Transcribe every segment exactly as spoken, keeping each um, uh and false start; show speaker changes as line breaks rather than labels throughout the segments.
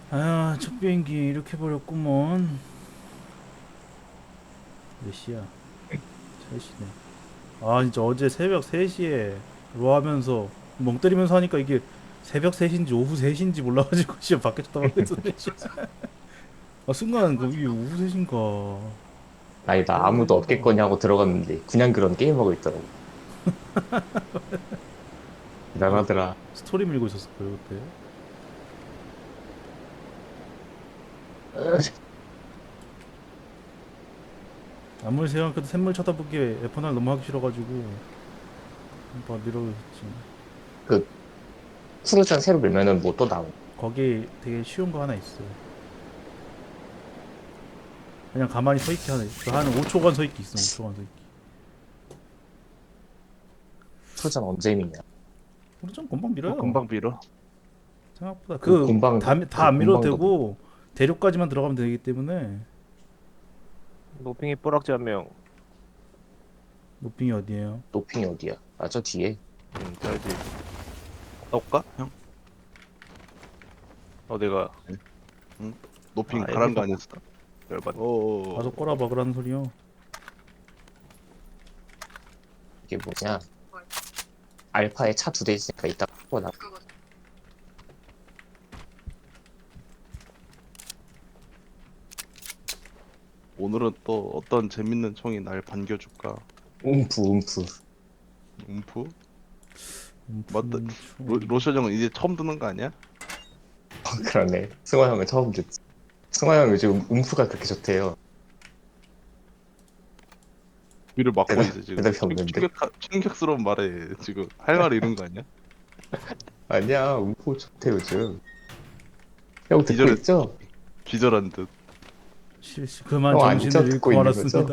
아, 첫 비행기 이렇게 버렸구먼. 몇 시야? 세 시네. 아, 진짜 어제 새벽 세 시에 로 하면서 멍 때리면서 하니까 이게 새벽 세 시인지 오후 세 시인지 몰라가지고 진짜 밖에 쳐다보고 있었네. 씨. 아, 순간 그 이게 오후 세 시인가
아니, 나
새벽
아무도
세 시인가.
없겠거니 하고 들어갔는데, 그냥 그런 게임하고 있더라고.
뭐
대단하더라.
스토리 밀고 있었을 거예요 그때. 아무리 생각해도 샘물 쳐다보기에 에프원을 너무 하기 싫어가지고 막 미뤄졌지.
그, 쿠르잔 새로 밀면은 뭐 또 나오.
거기 되게 쉬운 거 하나 있어요. 그냥 가만히 서 있기 하나. 한 오 초간 서 있기 있어. 오 초간 서 있기.
쿠르잔 언제 미냐?
우리 좀 금방
뭐
밀어요.
금방 빌어.
생각보다
그
그
공방도,
다
그
안 밀어도
공방도 뭐,
되고 대륙까지만 들어가면 되기 때문에.
노핑이 뿌락지 한 명.
노핑이 어디에요?
노핑이 어디야? 아, 저 뒤에.
음, 자야지. 나올까? 형? 어, 내가.
응? 응? 노핑
아,
가란 거
애들
아니었어?
열받.
가서
어어어.
꼬라 박으라는 소리요.
이게 뭐냐? 알파에 차 두 대 있으니까 이따 고 나.
오늘은 또 어떤 재밌는 총이 날 반겨줄까?
움프, 움프.
움프?
음,
맞다.
품,
로,
총.
로션 형은 이제 처음 듣는 거 아니야?
어, 그러네. 승화 형은 처음 듣지. 승화 형 요즘 움프가 그렇게 좋대요.
귀를 막고
대답,
있어 지금.
대답이
충,
없는데?
충격 충격스러운 말에 지금 할 말을 잃은 거 아니야?
아니야, 움프 좋대, 요즘. 형 듣고
기절했
있죠?
기절한 듯.
실시 그만
형 아니죠?
정신을
듣고
잃고
있는 거죠?
말았습니다.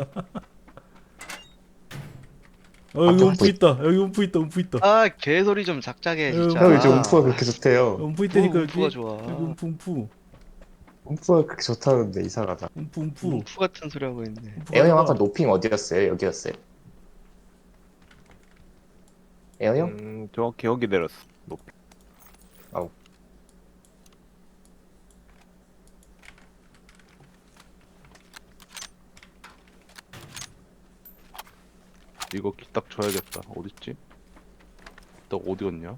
어 여기
밖에
움프
확보 있...
있다. 여기 움프 있다. 움프 있다.
아, 개소리 좀 작작해,
여기
형
움프
요즘
있다.
움프가
진짜.
그렇게 좋대요.
움프
뭐
있다니까
움프가
여기. 여기
좋아.
움프 움프.
움프가 그렇게 좋다는데 이상하다.
움프 움프.
움프 같은 소리 하고 있네.
움프
에어 형 아까
가져가.
노핑 어디였어요? 여기였어요? 에어 형?
음, 정확히 여기 내렸어. 노핑.
아우.
이거 기딱 줘야겠다. 어딨지? 기딱 어디 갔냐?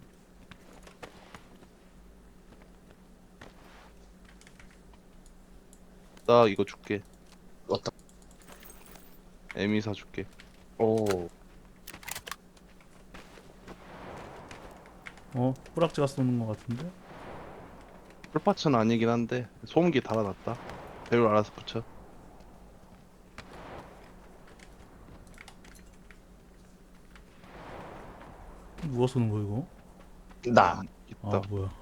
나 이거 줄게.
어떤,
에미 사 줄게.
오.
어 뿌락지가 쏘는 것 같은데.
풀파츠는 아니긴 한데 소음기 달아놨다. 배율 알아서 붙여.
누가 쏘는 거야 이거?
나.
아
있다.
뭐야.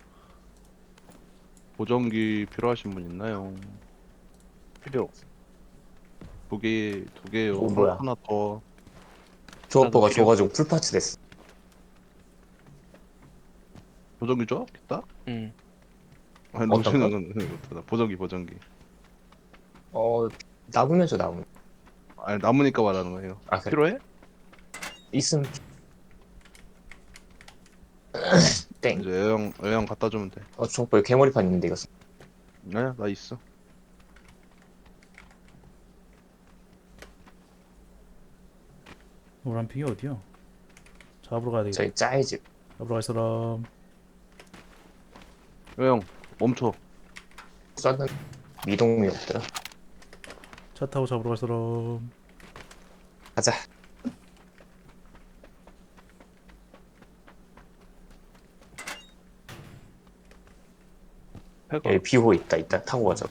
보정기 필요하신 분 있나요?
필요.
두 개, 두 개요.
오, 뭐야.
하나 더.
조업버가
필요.
줘가지고 풀파츠 됐어.
보정기 줘? 있다?
응.
아니,
어떤 거?
로션은 이거다. 보정기, 보정기.
어, 남으면 줘, 남으면.
아니, 남으니까 말하는 거예요.
아, 그래.
필요해?
있으면. 땡.
이제 애형, 애형 갖다 주면 돼.
어, 조업버에 개머리판 있는데, 이거.
아니야, 나 있어.
노란 핑이 어디야? 잡으러 가야 되겠다.
저희 짜이 집.
잡으러 갈 사람.
애형, 멈춰.
쐈는 미동이 없더라.
차 타고 잡으러 갈 사람.
가자.
해가.
여기 비호 있다. 이따 타고 가자.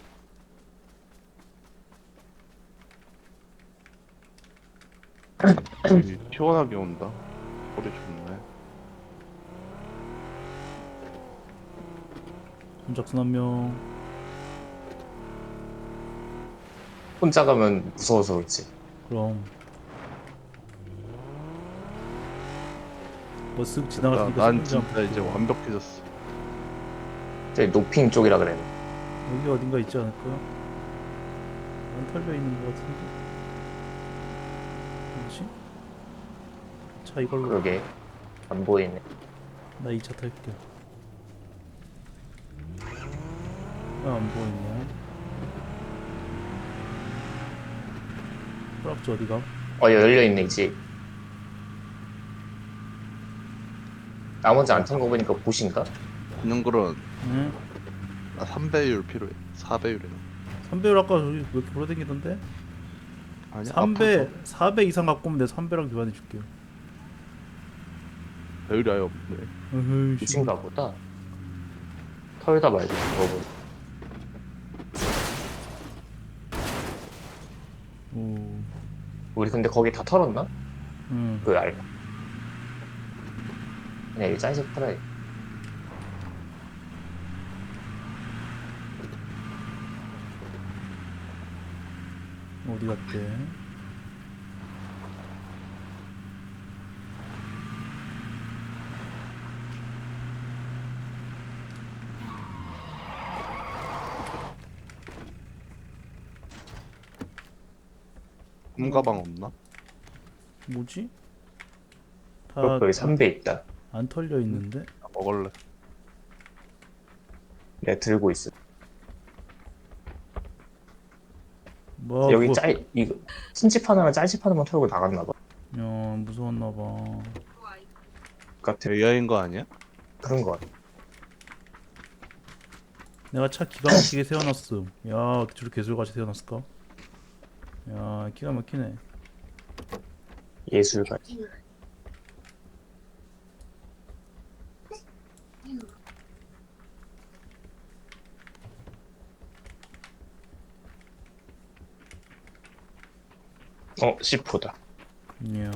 여기 시원하게 온다. 소리 좋네.
손작순 한 명.
혼자 가면 무서워서 그렇지.
그럼 뭐 쓱
나,
지나갔으니까
난
신경질 안
진짜 이제
붙고.
완벽해졌어.
저기 노핑 쪽이라 그래.
여기 어딘가 있지 않을까? 안 털려 있는 것 같은데. 뭐지? 차 이걸로.
그러게. 안 보이네.
나 이 차 탈게. 안 보이냐? 프락지 어디가?
어 열려있네 이제. 나머지 안 탄 거 보니까 보신가?
그냥 그런
응?
나 삼 배율 필요해. 사 배율이나.
삼 배율 아까 저기 왜 이렇게 돌아다니던데?
아니
삼
앞으로
배, 사 배 이상 갖고 오면 내가 삼 배랑 교환해 줄게요.
배율이 아예 없네.
어허이, 씨.
보신가 보다. 털다 말고 그거
오,
우리 근데 거기 다 털었나?
응.
그 알. 그냥 여기 짤집 털어야 돼.
어디 갔대?
홈가방 없나?
뭐지? 다
그것도 여기 삼 배 있다.
안 털려 있는데?
나 먹을래.
내가 들고 있어.
뭐
여기
그거-
짤 이거 흰집 하나랑 짤집 하나만 털고 나갔나 봐.
야, 무서웠나 봐.
같은
에이아이인 거 아니야?
그런 거 같아.
내가 차 기가 막히게 세워놨음. 야, 어떻게 저렇게 개술같이 세워놨을까? 야, 기가 막히네.
예술가. 어, 씨포다.
이야.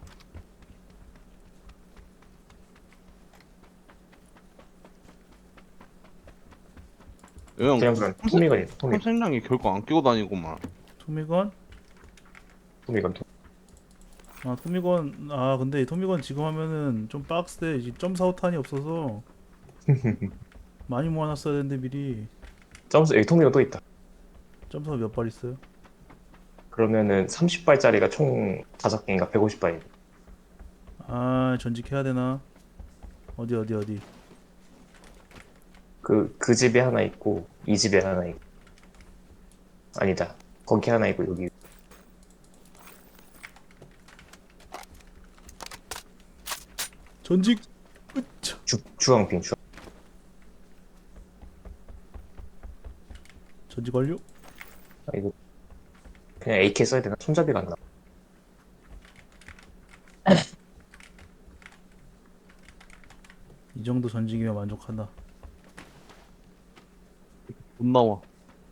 형
그냥 그런 토미건이 토미
탐색량이 결코 안 끼고 다니고만.
토미건?
토미건 토.
아, 토미건. 아, 근데 토미건 지금 하면은 좀 빡세. 이제 점사오탄이 없어서 많이 모아놨어야 되는데 미리.
점수 여기 토미건 또 있다.
점사가 몇 발 있어요?
그러면은 삼십 발짜리가 총 다섯 개인가 백오십 발이.
아, 전직해야 되나? 어디 어디 어디?
그, 그 집에 하나 있고, 이 집에 하나 있고. 아니다. 거기 하나 있고, 여기.
전직. 으차.
주, 주황빙, 주황.
전직 완료.
아, 이거. 그냥 에이케이 써야 되나? 손잡이가 안 나.
이 정도 전직이면 만족한다.
못 나와.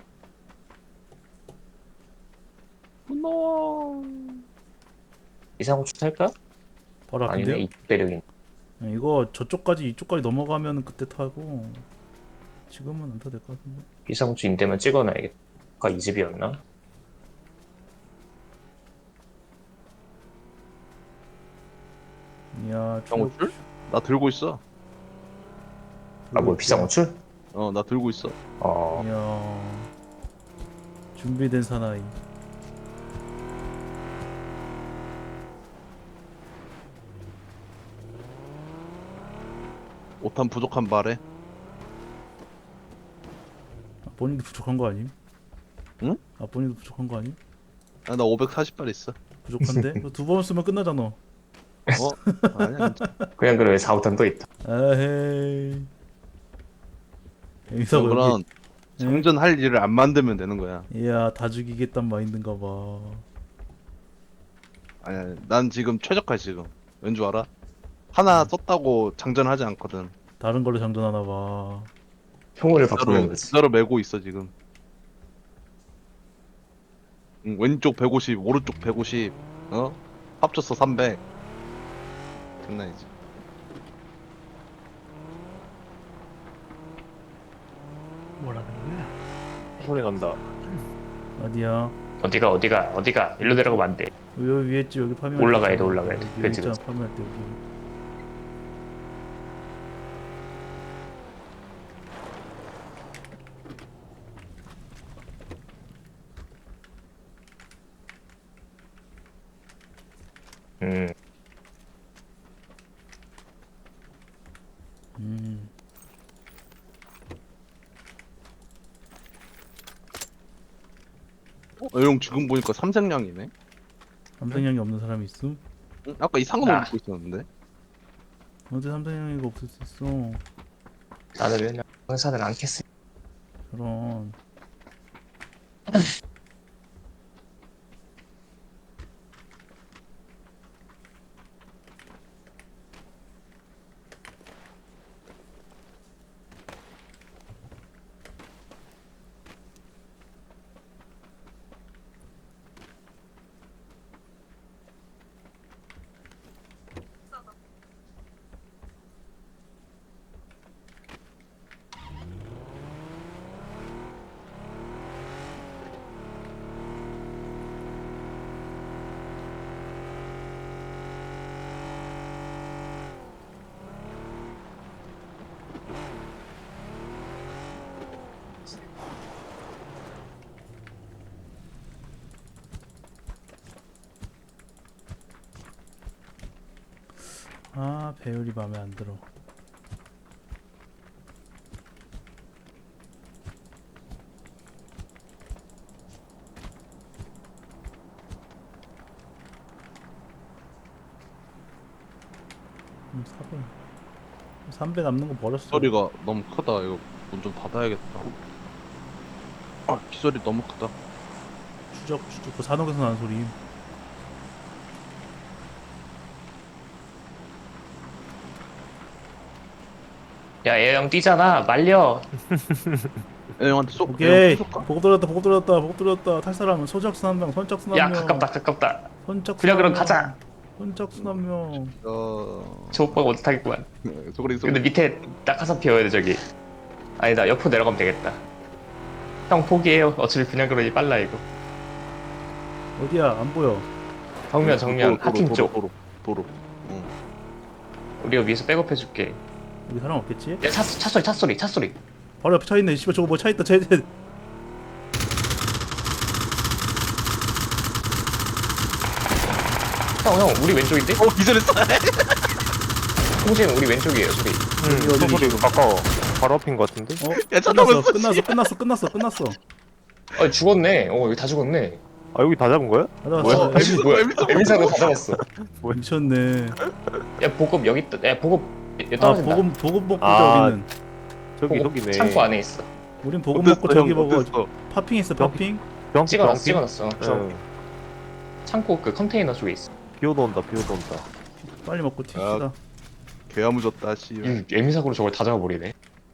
못 나와.
이상호추 탈까?
바로
아니네,
앞인데요?
이 배력인.
이거 저쪽까지 이쪽까지 넘어가면 그때 타고 지금은 안 타도 될 것 같은데.
이상호추 인대만 찍어놔야겠다. 아까 이 집이었나?
이야,
비상호출? 나 들고 있어.
아, 뭐, 비상호출?
어, 나 들고 있어.
어,
이야, 준비된 사나이.
오탄 부족한 발에.
아, 본인도 부족한 거 아님?
응?
아, 본인도 부족한 거 아님?
아, 나 오백사십 발 있어.
부족한데? 두 번 쓰면 끝나잖아.
어? 아니야, 진짜.
그냥 그러면 사, 오탄 또 있다.
아헤이. 여기서 여기.
그런 장전할 일을 안 만들면 되는 거야.
이야, 다 죽이겠단 마인드인가 봐.
아니야, 난 지금 최적화 지금. 왠 줄 알아? 하나 썼다고 장전하지 않거든.
다른 걸로 장전하나 봐.
평온을 바꾸는
그대로,
거지.
그대로 메고 있어 지금. 응, 왼쪽 백오십, 오른쪽 백오십. 어? 합쳤어 삼백. 장난이지.
뭐라는 거야?
소리 난다.
어디야?
어디가, 어디가, 어디가. 일로 내려가면 안 돼.
여기 위에 있지, 여기 파밍할
올라가야
때
돼,
있잖아.
올라가야 돼.
여기
그치,
있잖아,
그치.
파밍할 때 여기.
음,
음.
어, 형 지금 보니까 삼색량이네.
삼성형이 없는 사람이 있음?
응? 아까 이상한
아.
거 입고 있었는데.
어제 삼성형이가 없을 수 있어.
나는 맨날 회사는 않겠어.
저런. 아, 배율이 마음에 안 들어. 음, 사배. 삼 배 남는 거 버렸어.
소리가 너무 크다. 이거 문 좀 닫아야겠다. 아, 기소리 너무 크다.
추적, 추적. 그 산옥에서 나는 소리.
야, 얘 형 뛰잖아. 말려.
애 형한테 쏙.
오케이.
쏠까?
보급 들었다, 보급 들었다, 보급 들었다. 탈사람은 소작순 한 명, 선착순 한
야,
명.
가깝다, 가깝다.
선착순
그냥
한
그럼
명.
가자.
선착순 한 명.
어.
저 오빠가 못하겠구만.
소리 소리.
근데 밑에 낙하산 피워야 돼, 저기. 아니다, 옆으로 내려가면 되겠다. 형 포기해요. 어차피 그냥 그러니 빨라, 이거.
어디야? 안 보여.
정면, 정면. 하팀 쪽.
도로 도로. 응.
우리가 위에서 백업해줄게.
여기 사람 없겠지?
야, 차, 차 소리, 차 소리, 차 소리.
바로 옆에 차 있네. 씨발 저거 뭐 차 있다. 쟤, 쟤.
형, 형, 우리 왼쪽인데?
어 기절했어.
홍재는 우리 왼쪽이에요, 소리.
어디, 어디,
소리
어디?
가까워. 바로 앞인 것 같은데?
어?
야, 차
끝났어,
넘었어,
끝났어, 끝났어, 끝났어, 끝났어.
아, 죽었네. 어, 여기 다 죽었네.
아 여기 다 잡은 거야?
가자,
뭐야?
가자.
에미, 뭐야? 에미사가 다 잡았어.
미쳤네.
야, 보급 여기 있다. 야, 보급 여기
아,
떨어진다.
보급, 보급 먹고
아,
우리는.
저기
보급
저기네.
창고 안에 있어.
우린 보급
어땠어,
먹고 저기
형?
먹어.
어땠어?
파핑 있어, 파핑.
병
찍어놨어, 찍어놨어. 저
응.
창고 그 컨테이너 쪽에 있어.
비오도 온다. 비오도 온다.
빨리 먹고 튀시다.
개야무졌다 씨.
음, 에미사고로 저걸 다 잡아버리네.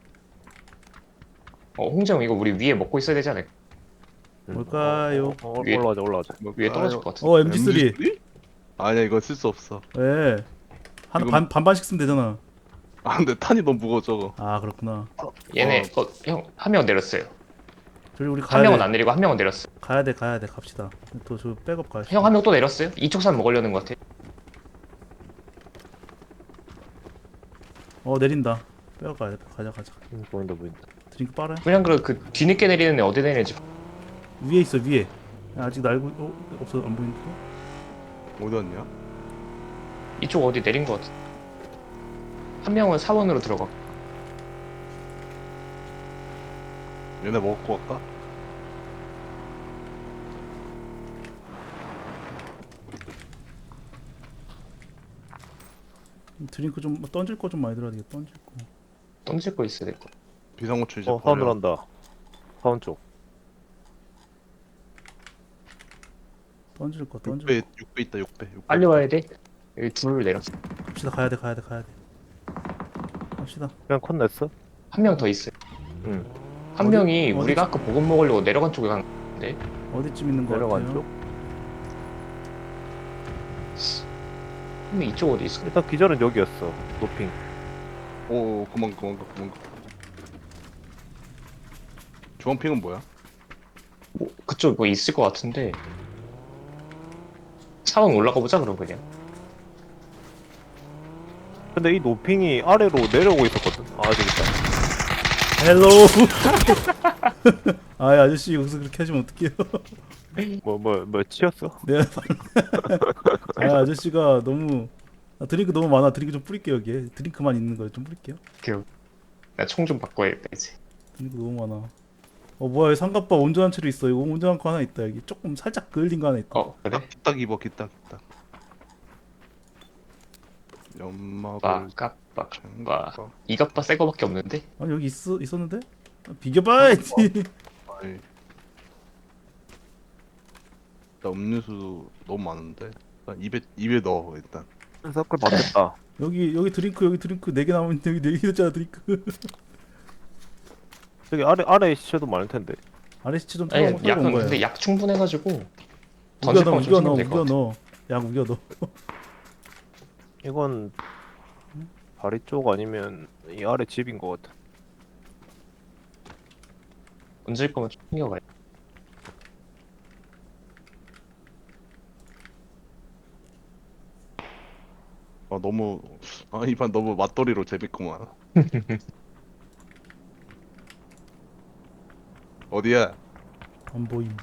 어, 홍정 이거 우리 위에 먹고 있어야 되지 않을까?
응.
뭘까요?
어, 어,
위에-
올라가자 올라가자.
위에 떨어질 것 같아.
어, 엠지 쓰리.
아니야 이거 쓸 수 없어.
왜? 하나
이건-
반, 반반씩 쓰면 되잖아.
아 근데 탄이 너무 무거워 저거.
아, 그렇구나.
얘네, 어, 형, 한 명 내렸어요.
저기 우리
한
가야
명은
돼.
안 내리고 한 명은 내렸어.
가야 돼, 가야 돼. 갑시다. 또 저 백업 가야 돼.
형 한 명 또 내렸어요? 이쪽 산 먹으려는 것 같아.
어, 내린다. 백업 가야 돼. 가자, 가자.
응, 보인다 보인다.
드링크 빨아요?
그냥 그, 그 뒤늦게 내리는 애 어디 내리는지.
위에 있어, 위에. 야, 아직 날고, 어? 없어, 안 보이는데?
어디 왔냐?
이쪽 어디 내린 것 같아. 한 명은 사원으로 들어가.
얘네 먹고 갈까?
드링크 좀 던질 거 좀 많이 들어야 되겠다. 던질 거.
던질 거 있어야 될 거.
비상호출 이제
어 사운드
버려.
난다. 사운 쪽.
던질 거, 던질
육 배
거.
육 배 있다 육 배. 육 배.
빨리 와야 돼. 여기 둘 내렸어.
갑시다. 가야 돼, 가야 돼, 가야 돼. 갑시다.
그냥 컷 냈어?
한 명 더 있어요.
응.
한
어디-
명이
어디-
우리가 아까 보급 먹으려고 내려간 쪽에 갔는데.
어디쯤 있는 거
내려간
같아요?
쪽?
근데 이쪽 어디 있어?
일단 기절은 여기였어. 노핑.
오 그만 그만 가 그만 가. 주황핑은 뭐야?
뭐 그쪽 뭐 있을 것 같은데. 사원 올라가 보자 그럼 그냥.
근데 이 노핑이 아래로 내려오고 있었거든. 아 저기 있다.
헬로. 아, 아저씨 여기서 그렇게 하시면 어떡해요?
뭐 뭐 뭐 치였어?
네. 아, 아저씨가 너무 아, 드링크 너무 많아. 드링크 좀 뿌릴게요 여기에. 드링크만 있는 거 좀 뿌릴게요.
나 총 좀 바꿔야겠다 이제.
드링크 너무 많아. 어 뭐야 여기 삼각바 온전한 채로 있어. 이거 온전한 거 하나 있다. 여기 조금 살짝 그을린 거 하나 있다.
어 그래?
딱 기딱 입어 기딱 기딱. 연막을
빠까빠
챙겨.
이갑바 새 거밖에 없는데?
아니 여기 있 있었는데? 아, 비교봐야지.
아이. 나 음료수 너무 많은데. 일단 입에 입에 넣어 일단.
서클 바뀌었다.
여기 여기 드링크 여기 드링크 네 개 남았는데 여기 네 개 있잖아 드링크.
저기 아래 아래 시체도 많을 텐데.
아래 시체 좀
아니
털어 털어 온
약은
거야.
근데 약 충분해가지고
우겨
던질
넣어
거면
우겨
좀
넣어
생기면 될것
우겨
같아.
넣어. 약 우겨 넣어.
이건 다리 쪽 아니면 이 아래 집인 것 같아.
던질 거면 좀 챙겨가야 돼.
아 너무 아 이 판 너무 맞돌이로 재밌구만. 어디야?
안 보임.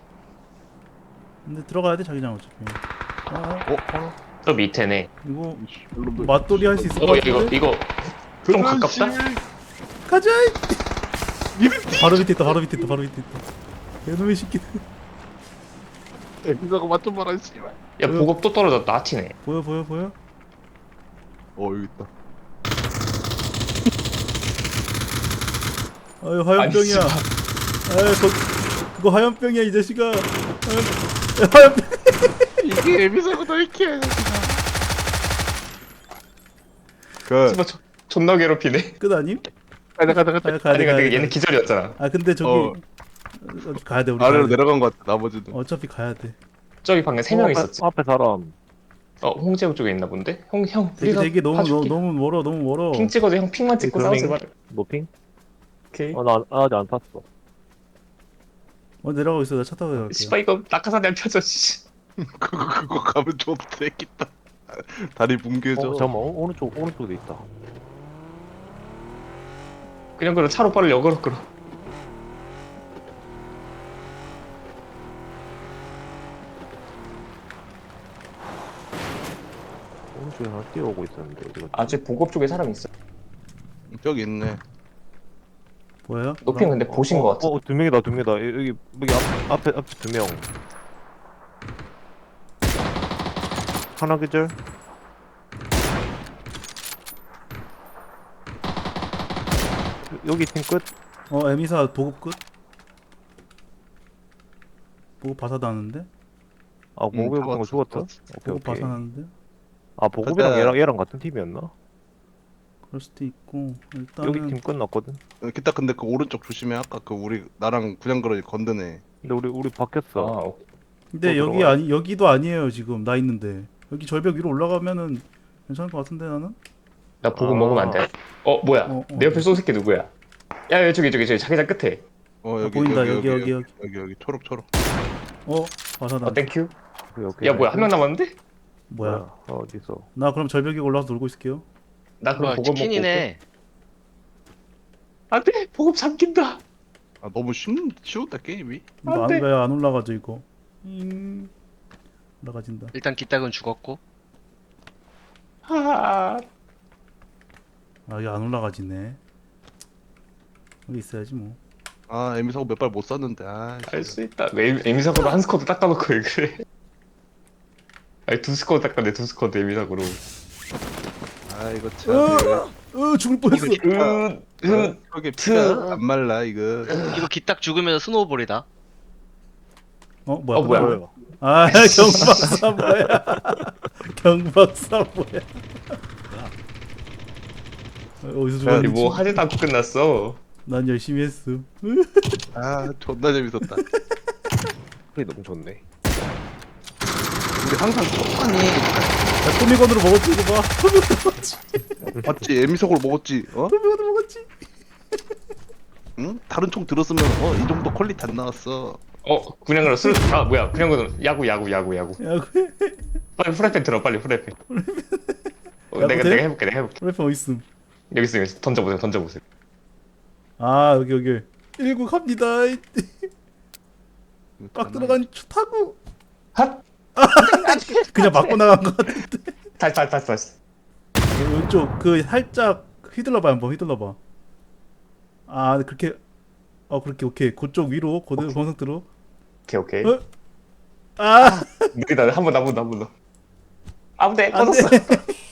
근데 들어가야 돼 자기장 어차피. 어,
어?
저 밑에네.
이거
여러분들.
맞돌이 할 수 있을 것
어 이거
같은데?
이거 좀 가깝다?
가자! 바로 밑에 있다 바로 밑에 있다 바로 밑에 있다. 개놈의 새끼.
이거 맞좀 말아 씨발.
야 보급 또 떨어졌다. 아티네.
보여 보여 보여?
어 여기 있다.
아유 화염병이야.
아니,
아유 거, 그거 화염병이야 이 자식아. 화염, 화염병.
이게 에비사고도 이렇게. 그
씨발 저- 존나 괴롭히네.
끝 아님?
가자 가자 가자.
가야 가야
아니
돼 가야
근데
돼.
얘는 기절이었잖아.
아 근데 저기
어.
어, 가야 돼 우리.
아래로
가야 돼.
내려간 것 같아 나머지는.
어차피 가야 돼.
저기 방금 세 명
앞에-
있었지.
앞에 사람.
어 홍제국 쪽에 있나 본데? 형 형
되게
우리가
되게 너무 너무,
봐줄게.
너무 멀어 너무 멀어.
핑 찍어도 형 핑만 찍고 싸우지 마.
노핑?
오케이.
어, 나 안- 아직 안 탔어.
어 내려가고 있어 나 차 타고 내려갈게.
씨발 이거 낙하산이 안 펴져. 씨.
그거 그거 가면 좀 되겠다. 다리 뭉개져.
어, 잠깐만, 오- 오른쪽, 오른쪽에 있다.
그냥 그럼 차로 빠를 역으로 끌어.
오른쪽에 하나 뛰어오고 있었는데, 어디 갔지?
아직 보급 쪽에 사람 있어.
저기 있네.
뭐야?
높인 근데 보신
어,
거 같아.
어, 두 명이다, 두 명이다. 여기, 여기 앞, 앞에, 앞에 두 명. 하나 계절? 여기 팀 끝?
어 에미사 보급 끝? 보급 바사다는데?
아, 보급이
다
거
왔어,
죽었어?
다 왔어.
오케이,
보급
오케이.
바사나는데?
아, 보급이랑
가자.
얘랑, 얘랑 같은 팀이었나?
그럴 수도 있고
여기
일단은
팀 끝났거든?
어, 기타 근데 그 오른쪽 조심해. 아까 그 우리 나랑 그냥 그러니 건드네.
근데 우리, 우리
아,
바뀌었어.
오-
근데
또
여기
들어가요.
아니 여기도 아니에요 지금 나 있는데 여기 절벽 위로 올라가면은 괜찮을 것 같은데 나는?
나 보급
아.
먹으면 안 돼. 어 뭐야?
어, 어.
내 옆에 쏜 새끼 누구야? 야 여기 저기 저기 저기 자기장 끝에.
어 여기
보인다,
여기
여기,
여기
여기,
여기 여기 초록 초록.
어 바사다.
어 땡큐.
오케이, 오케이.
야 뭐야 한 명 남았는데?
뭐야?
어, 어디서?
나 그럼 절벽 위에 올라가서 놀고 있을게요.
나 그럼
뭐야
보급 먹고 올게.
치킨이네.
안돼 보급 삼킨다.
아 너무 쉬 쉬웠다 게임이.
이거
안 돼.
안, 왜 안 올라가죠 이거? 잉. 올라가진다.
일단 기딱은 죽었고.
아
아 이게 안 올라가지네. 여기 있어야지 뭐.
아 에미사고 몇 발 못 쐈는데. 아.
할 수 있다. 에미, 에미사고로 한 스쿼드 닦아놓고 왜 그래? 아니 두 스쿼드 닦았네 두 스쿼드 에미사고로.
아 이거 참. 이거
어 죽을 뻔했어.
은, 은,
저게
트.
피가 안 말라 이거.
이거 기딱 죽으면 스노우볼이다.
어 뭐야?
어 뭐야?
아 경박사 뭐야? 경박사 뭐야? 어, 어디서
아니
죽었는지?
뭐 하지도 않고 끝났어.
난 열심히 했어.
아 존나 재밌었다.
그게 너무 좋네.
우리 항상 똑같니?
야 토미건으로 먹었지 이거 봐. 토미건으로 먹었지.
맞지 에미사고를 먹었지. 어?
토미건으로 먹었지.
응? 다른 총 들었으면 어 이 정도 퀄리티 안 나왔어.
어 그냥 그럼 술. 아 뭐야 그냥 그럼 야구 야구 야구 야구.
야 그.
빨리 후라이팬 들어 빨리 후라이팬. 어,
야구
내가
돼?
내가 해볼게 내가 해볼게.
프레프 어디 있음?
여기 있어 여기 있어 던져보세요 던져보세요.
아 여기 여기. 일구 갑니다. 빡 들어간 초 타고.
핫.
그냥 맞고 나간 것 같은데.
다시 다시 다시 다시.
왼쪽 그 살짝 휘둘러봐 한번 휘둘러봐. 아 그렇게 어 그렇게 오케이. 그쪽 위로 고대 고상태로.
오케이 오케이.
어? 아
느리다. 한 번 더, 한 번 더, 한 번 더. 아무데
안
꺼졌어.
돼.